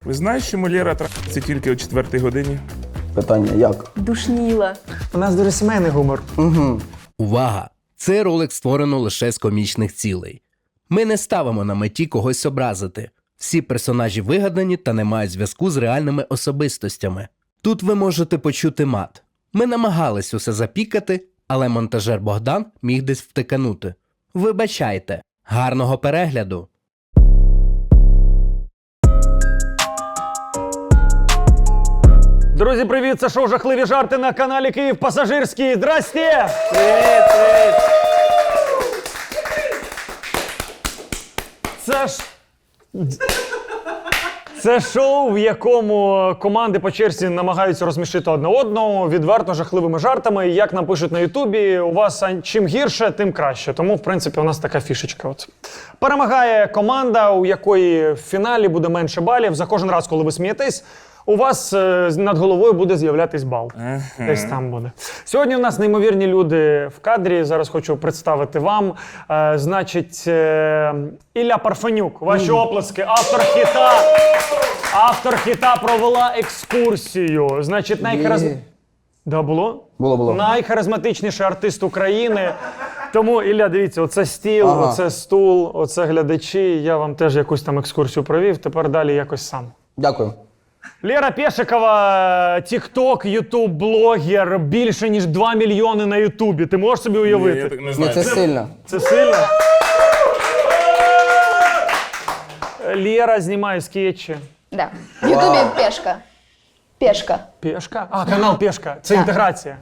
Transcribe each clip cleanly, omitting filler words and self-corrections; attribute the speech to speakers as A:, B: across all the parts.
A: Ви знаєте, що Лєра трахається тільки о 4-й годині?
B: Питання як?
C: Душніла.
D: У нас дуже сімейний гумор.
E: Увага! Цей ролик створено лише з комічних цілей. Ми не ставимо на меті когось образити. Всі персонажі вигадані та не мають зв'язку з реальними особистостями. Тут ви можете почути мат. Ми намагались усе запікати, але монтажер Богдан міг десь втиканути. Вибачайте. Гарного перегляду!
D: Друзі, привіт! Це шоу «Жахливі жарти» на каналі Київ Пасажирський. Здрасте!
A: Привіт, привіт!
D: Це шоу, в якому команди по черзі намагаються розсмішити одне одного відверто жахливими жартами. І як нам пишуть на Ютубі, у вас чим гірше, тим краще. Тому, в принципі, у нас така фішечка. От. Перемагає команда, у якої в фіналі буде менше балів. За кожен раз, коли ви смієтесь, у вас над головою буде з'являтись бал. Десь там буде. Сьогодні у нас неймовірні люди в кадрі. Зараз хочу представити вам. Значить, Ілля Парфенюк. Ваші оплески. Автор хіта «Провела екскурсію». Значить, Да, було?
B: Було.
D: Найхаризматичніший артист України. Тому, Ілля, дивіться, оце стіл, оце стул, оце глядачі. Я вам теж якусь там екскурсію провів. Тепер далі якось сам.
B: Дякую.
D: Лєра Пєшикова, тік-ток, ютуб-блогер, більше ніж 2 мільйони на ютубі. Ти можеш собі уявити?
A: Я так не
B: Ні,
A: знаю.
B: це сильно.
D: Це сильно? Лєра знімає скетчі.
C: Да. В Ютубі пешка. Пешка.
D: Пєшка? А, канал Пєшка. Це інтеграція.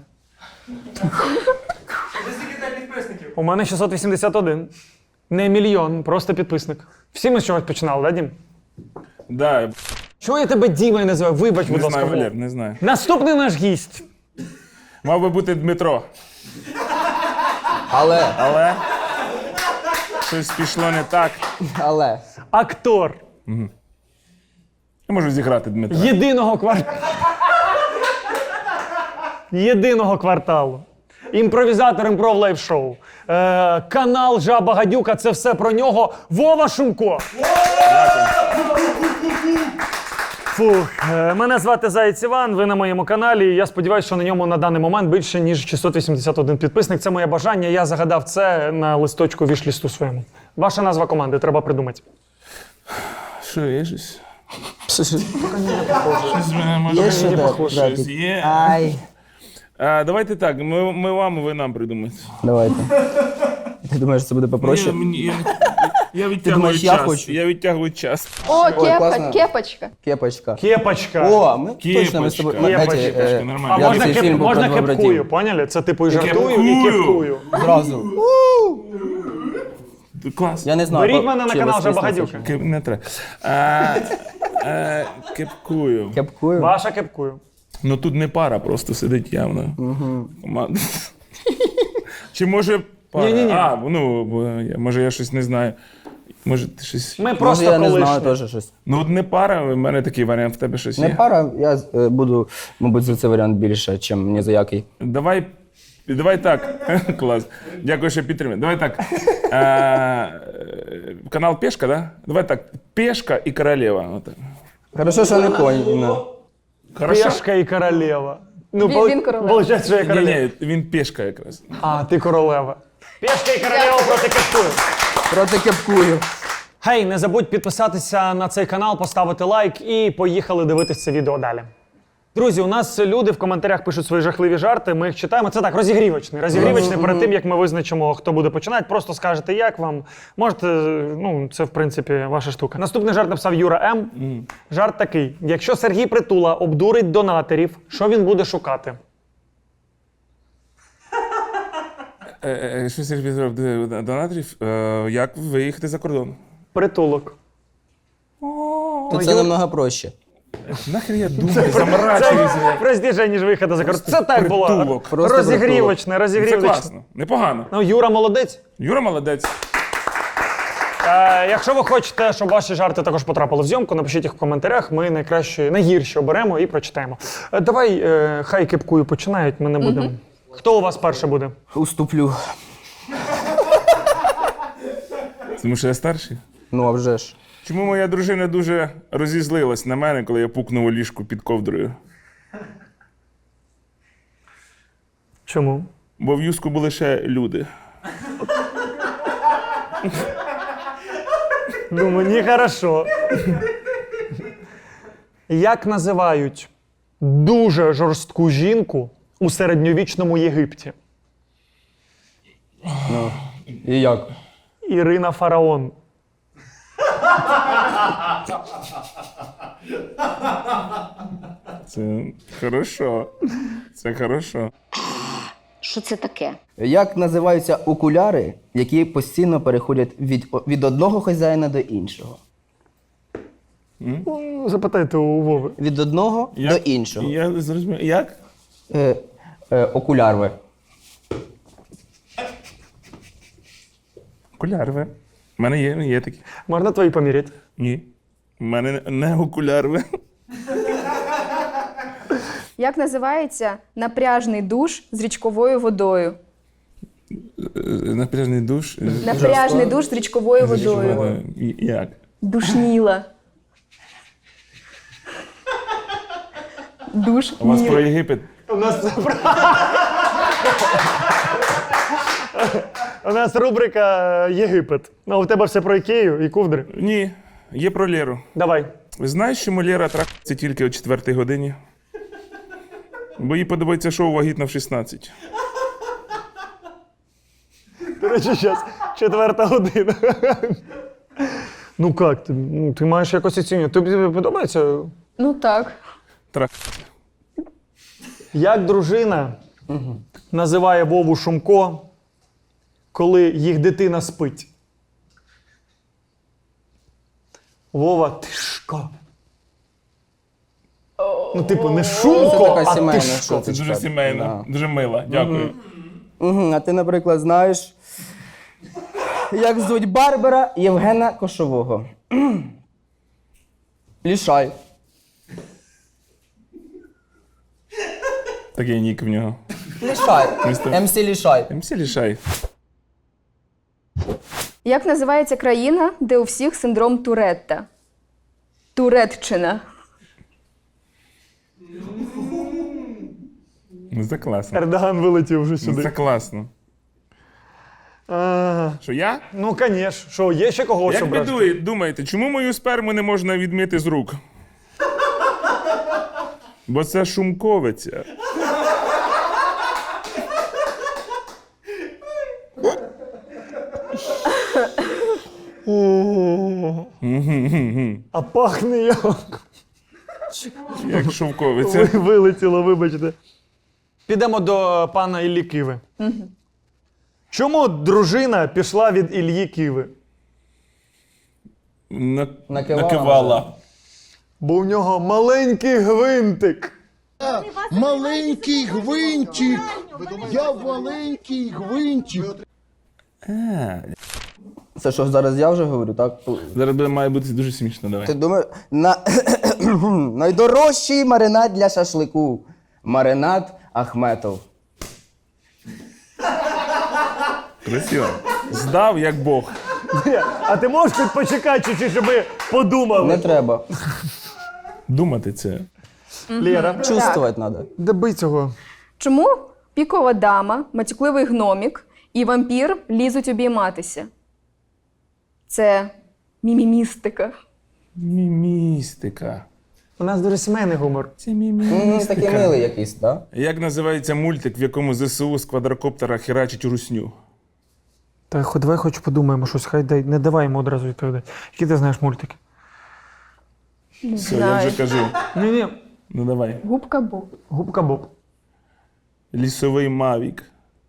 D: У мене 681. Не мільйон, просто підписник. Всі ми з чогось починали, да, Дім?
A: Да,
D: Чого я тебе Дімою називаю? Вибач, будь
A: не
D: ласка.
A: знаю, Валер, не знаю.
D: Наступний наш гість.
A: Мав би бути Дмитро,
B: Але.
A: щось пішло не так.
D: Актор.
A: Я можу зіграти Дмитра.
D: Єдиного кварталу. Імпровізатор імпров лайв-шоу. Канал Жаба Гадюка. Це все про нього. Вова Шумко. Фух. Мене звати Заєць Іван, ви на моєму каналі. Я сподіваюся, що на ньому на даний момент більше, ніж 681 підписник. Це моє бажання. Я загадав це на листочку вішлісту своєму. Ваша назва команди, треба придумати.
A: Що, є щось?
B: Щось
A: Щось в мене може
B: є що
A: щось є.
B: Ай.
A: Давайте так, ми вам, ви нам придумаєте.
B: Давайте. Ти думаєш, це буде попроще?
A: Я відтягую
B: думаєш, я
A: час.
B: хочу?
A: Я відтягую час.
C: О,
B: класно.
C: кепочка.
B: Кепочка.
D: Кепочка.
B: О, ми точно ми з тобою.
A: Кепочка, нормально.
D: А
B: Я
D: можна,
B: цей фільм був
D: можна
B: про два
D: кепкую,
B: братів.
D: поняли? Це типу і жартую, і
A: Кепкую.
D: кепкую.
B: Зразу.
A: Клас.
B: Я не знаю.
D: Беріть мене на
B: чи
D: канал
B: ви
D: Жаба
B: смієтеся,
D: Гадюка.
A: Не треба. Кепкую.
B: чи- Кепкую.
D: Ваша кепкую.
A: Ну тут не пара, просто сидить явно. Команда. Чи може пара?
D: Ні-ні-ні.
A: Може я щось не знаю. Може ти щось...
D: Ми
B: Може,
D: просто
B: я не знаю
D: колишні.
B: теж щось.
A: Ну от не пара, в мене такий варіант, в тебе щось
B: Не
A: є.
B: пара, я буду, мабуть, за цей варіант більше, ніж ні за який.
A: Давай так. Клас. Дякую, що підтримуєш. Давай так. Канал Пешка, да? Давай так. Пешка і королева. Отак.
B: Хорошо, що не конь.
A: Хорошо?
D: Пешка і королева. Ну,
C: Він королева.
D: Получається, що я королева.
A: Ні, він пешка якраз.
D: А, ти королева. Пешка і королева проти кепкую.
B: Проти кепкую.
D: Гей, не забудь підписатися на цей канал, поставити лайк і поїхали дивитися це відео далі. Друзі, у нас люди в коментарях пишуть свої жахливі жарти, ми їх читаємо. Це так, розігрівочний. Розігрівочний перед тим, як ми визначимо, хто буде починати. Просто скажете, як вам. Можете, це в принципі ваша штука. Наступний жарт написав Юра М. Жарт такий. Якщо Сергій Притула обдурить донаторів, що він буде шукати?
A: Що Сергій зробив донаторів? Як виїхати за кордон?
D: Притулок.
B: То це намного проще.
A: Нахер я думаю, заморачуюся.
D: Простіше, ніж виходу за кордон. Це так було.
A: Притулок.
B: Просто
D: Розігрівочне,
A: Це
D: розігрівочне.
A: класно, непогано.
D: Ну, Юра молодець.
A: Юра молодець.
D: Якщо ви хочете, щоб ваші жарти також потрапили в зйомку, напишіть їх в коментарях. Ми найгірші оберемо і прочитаємо. Давай, хай кепкую починають, ми не будемо. Хто у вас перший буде?
B: Уступлю.
A: Тому що я старший.
B: Ну, а вже ж.
A: Чому моя дружина дуже розізлилась на мене, коли я пукнув у ліжку під ковдрою?
D: Чому?
A: Бо в юску були ще люди.
D: Ну, мені хорошо. Як називають дуже жорстку жінку у середньовічному Єгипті?
B: Ну, і як?
D: Ірина Фараон.
A: Це хорошо. Це хорошо.
F: Що це таке?
B: Як називаються окуляри, які постійно переходять від одного хазяїна до іншого?
D: Запитайте у Вови.
B: Від одного до іншого.
A: Я зрозумів. Як?
B: Окулярви.
A: Окулярви. У мене є такі.
D: Можна твої поміряти?
A: Ні. У мене не окулярви.
C: Як називається напряжний душ з річковою водою?
A: Напряжний душ.
C: Напряжний душ з річковою водою.
A: Як?
C: Душніла. Душ.
A: У вас про Єгипет?
D: У нас рубрика Єгипет. А у тебе все про Ікею і ковдри.
A: Ні. Є про Леру.
D: Давай.
A: Ви знаєш, чому Лера трахається тільки о 4-й годині? Бо їй подобається шоу «Вагітна в 16».
D: До речі, зараз 4 година. Ну як, ти маєш якось оцінювати. Тобі подобається?
C: Ну так.
D: Як дружина називає Вову Шумко, коли їх дитина спить? Вова, тишко. Ну, типу, не Шумко,
B: Це така
D: а
B: сімейна
D: тишко.
A: Це
B: шуточка.
A: дуже сімейно, дуже мило. Дякую.
B: А ти, наприклад, знаєш, як звуть Барбера Євгена Кошового? Лішай.
A: Такий нік в нього.
B: Лішай.
A: Містер-
B: МС Лішай.
A: МС Лішай.
C: Як називається країна, де у всіх синдром Туретта? Туретчина.
A: Ну, це класно.
D: Ердоган вилетів вже
A: Ну,
D: сюди.
A: це класно. Що я?
D: Ну, звісно. Що, є ще когось
A: Як ви
D: обрати?
A: думаєте, чому мою сперму не можна відмити з рук? Бо це шумковиця.
D: А пахне як.
A: Як шовковиця.
D: Вилетіло, вибачте. Підемо до пана Іллі Киви. Чому дружина пішла від Іллі Киви?
A: Накивала.
D: Бо у нього маленький гвинтик.
G: Маленький гвинтик. Я маленький гвинтик.
B: Це що, зараз я вже говорю, так?
A: Зараз має бути дуже смішно, давай.
B: Ти думаєш, найдорожчий маринад для шашлику. Маринад Ахметов.
A: Красиво. Здав, як Бог.
D: А ти можеш тут почекати чуть-чуть, щоб ми подумали?
B: Не треба.
A: Думати це.
D: Лєра,
B: Чувствувати треба.
D: доби цього.
C: Чому пікова дама, матюкливий гномік і вампір лізуть обійматися? Це мімімістика.
A: Мімістика.
D: У нас дуже сімейний гумор.
A: Це мімістика.
B: Такий милий якийсь, так?
A: Як називається мультик, в якому ЗСУ з квадрокоптера херачить русню?
D: Та давай хоч подумаємо щось, хай не давай йому одразу відповідати. Які ти знаєш мультики?
C: Не
A: Все, я
C: знаю.
A: вже кажу.
D: Ні-ні,
A: Ну давай.
C: Губка Боб.
D: Губка Боб.
A: Лісовий Мавік.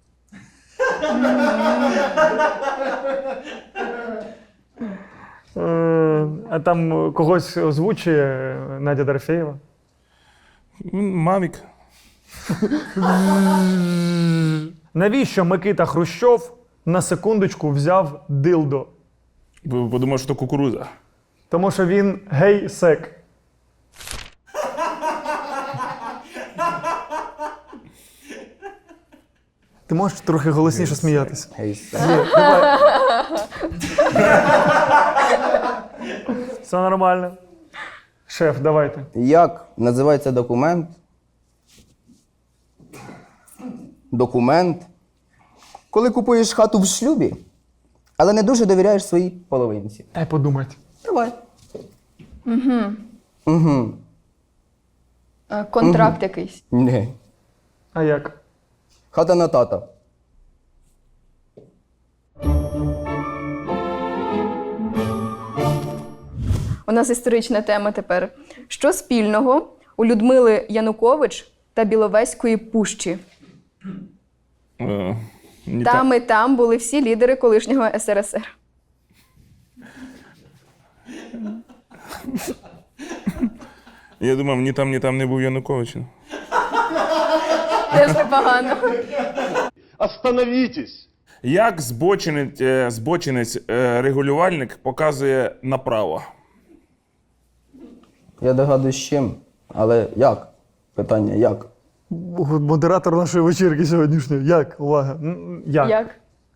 D: А там когось озвучує Надя Дорофєєва?
A: Мавік.
D: Навіщо Микита Хрущов на секундочку взяв дилдо?
A: Бо подумав, що то кукуруза.
D: Тому що він гей-сек. Ти можеш трохи голосніше сміятися? Все нормально. Шеф, давайте.
B: Як називається документ? Документ. Коли купуєш хату в шлюбі, але не дуже довіряєш своїй половинці.
D: Дай подумати.
B: Давай.
C: Контракт якийсь.
B: Ні.
D: А як?
B: Хата на тата.
C: У нас історична тема тепер. Що спільного у Людмили Янукович та Біловезької пущі?
A: Ні
C: Там і там були всі лідери колишнього СРСР.
A: Я думав, ні там не був Янукович.
C: Теж непогано.
G: Остановитесь!
A: Як збочинець-регулювальник показує направо?
B: Я догадуюсь з чим. Але як? Питання як?
D: Модератор нашої вечірки сьогоднішньої. Як? Увага. Як?
C: Як?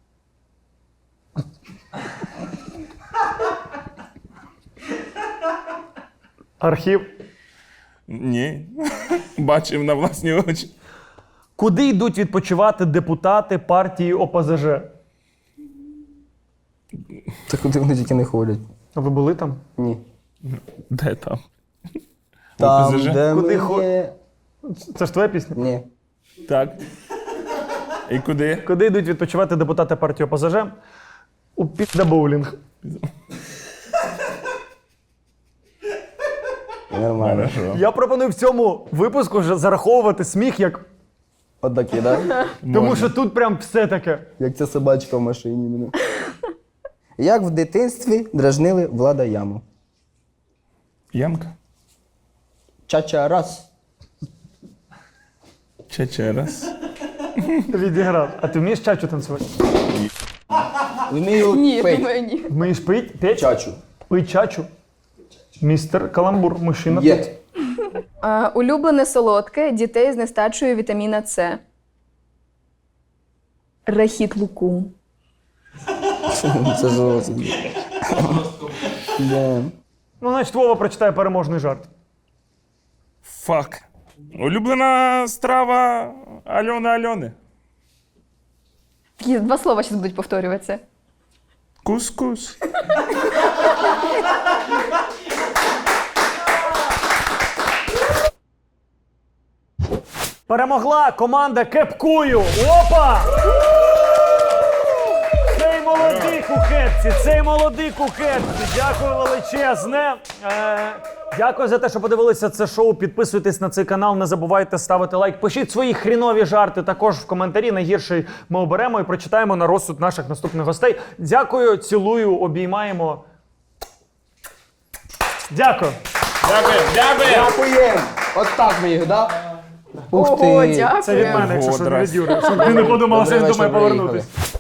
D: Архів.
A: Ні. Бачив на власні очі.
D: Куди йдуть відпочивати депутати партії ОПЗЖ?
B: Та куди вони тільки не ходять?
D: А ви були там?
B: Ні.
A: Де там?
B: Там,
A: ОПЗЖ?
B: де
D: Куди
B: ми є.
D: Це ж твоя пісня?
B: Ні.
A: Так. І куди?
D: Куди йдуть відпочивати депутати партії ОПЗЖ? У піддабоулінг.
B: Нормально.
D: Я пропоную в цьому випуску вже зараховувати сміх як.
B: Отакі, так?
D: Тому що тут прям все таке.
B: Як ця собачка в машині мене. Як в дитинстві дражнили Влада Яму?
A: Ямка?
B: Чача раз.
A: Чече раз.
D: Відіграв. А ти вмієш чачу танцювати?
B: Вмію
C: Ні,
B: пить.
C: думаю, ні.
D: Вмієш пить? Петь?
B: Чачу.
D: Пий чачу. Містер Каламбур, мужчина.
B: Є.
C: Улюблене солодке дітей з нестачею вітаміна С. Рахіт лукум.
B: Це зовсім. Да.
D: Ну, значить, Вова прочитає переможний жарт.
A: Фак. Улюблена страва Альони.
C: Такі два слова зараз будуть повторюватися.
A: Кускус.
D: Перемогла команда Кепкую. Опа! Цей молодий кухетці, цей молодий кухетці. Дякую величезне. Дякую за те, що подивилися це шоу. Підписуйтесь на цей канал, не забувайте ставити лайк. Пишіть свої хрінові жарти також в коментарі. Найгірший ми оберемо і прочитаємо на розсуд наших наступних гостей. Дякую, цілую, обіймаємо. Дякую.
B: Дякуємо! От так ми їх, так? Ух
C: Ого,
B: ти!
C: дякую.
D: Це від мене, якщо що, не
A: Ого,
D: від Юри. Щоб ти не подумала, що він
B: Добрий
D: думає
B: вечір,
D: повернутися.
B: приїхали.